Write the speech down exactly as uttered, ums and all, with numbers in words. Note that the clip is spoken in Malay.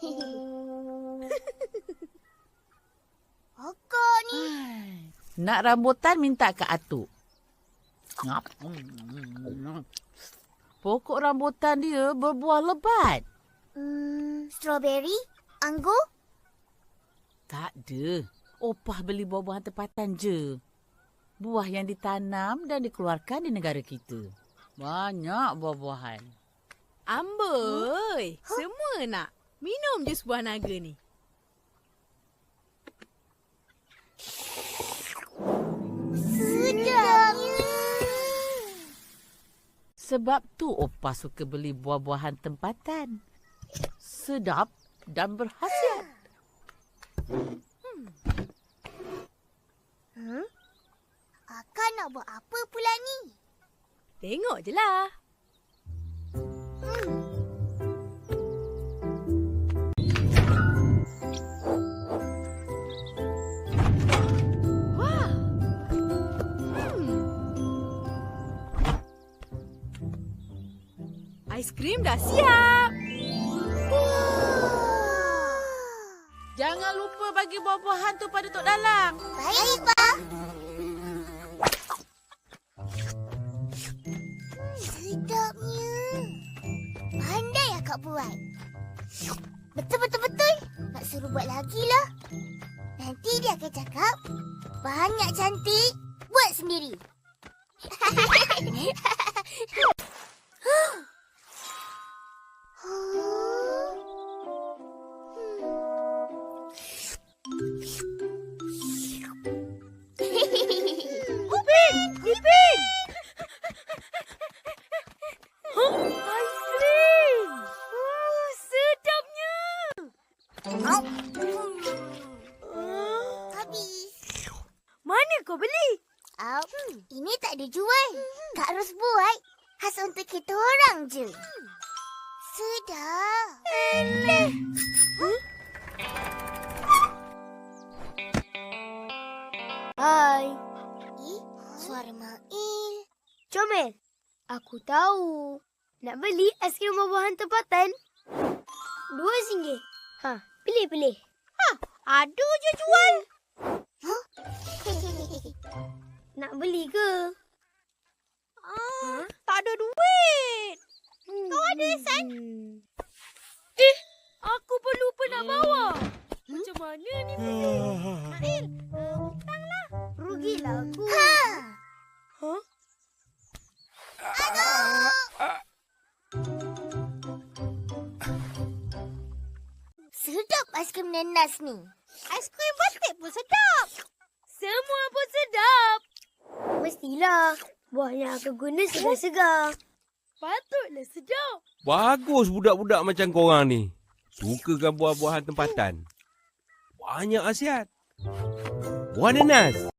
Akak ni. Nak rambutan minta Kak Atuk. Ngap. Pokok rambutan dia berbuah lebat. Hmm, strawberry? Anggur? Tak ada. Opah beli buah-buahan tempatan je. Buah yang ditanam dan dikeluarkan di negara kita. Banyak buah-buahan. Amboi, huh? Semua nak. Minum je sebuah naga ni. Sedapnya. Sebab tu Opah suka beli buah-buahan tempatan. Sedap dan berkhasiat. Hmm. Hmm? Akak nak buat apa pula ni? Tengok je lah. Hmm. Wah. Hmm. Aiskrim dah siap. Jangan lupa bagi buah-buahan tu pada Tok Dalang. Baik, Pak. Sedapnya. Pandai akak buat. Betul-betul-betul. Nak suruh buat lagi lah. Nanti dia akan cakap, banyak cantik, buat sendiri. Upin! Ipin! Huh? Aiskrim! Oh, sedapnya! Habis. Mana kau beli? Oh, ini tak ada jual. Kak Ros buat. Khas untuk kita orang je. Sedap. Eleh! Huh? Hai. Eh, suara Mail. Comel, aku tahu. Nak beli aiskrim buah-buahan tempatan? Dua singgit. Ha, pilih-pilih. Ha, ada je jual. Huh? Nak beli ke? Ah, huh? Tak ada duit. Hmm. Kau ada, San? Eh, aku pun lupa nak bawa. Hmm? Macam mana ni? Nail, uh, hutanglah. Rugilah aku. Ha! Huh? Sedap aiskrim nenas ni. Aiskrim batik pun sedap. Semua pun sedap. Mestilah. Buah yang aku guna segar-segar. Patutlah sedap. Bagus budak-budak macam korang ni. Sukakan buah-buahan tempatan. Banyak khasiat. Buah nanas.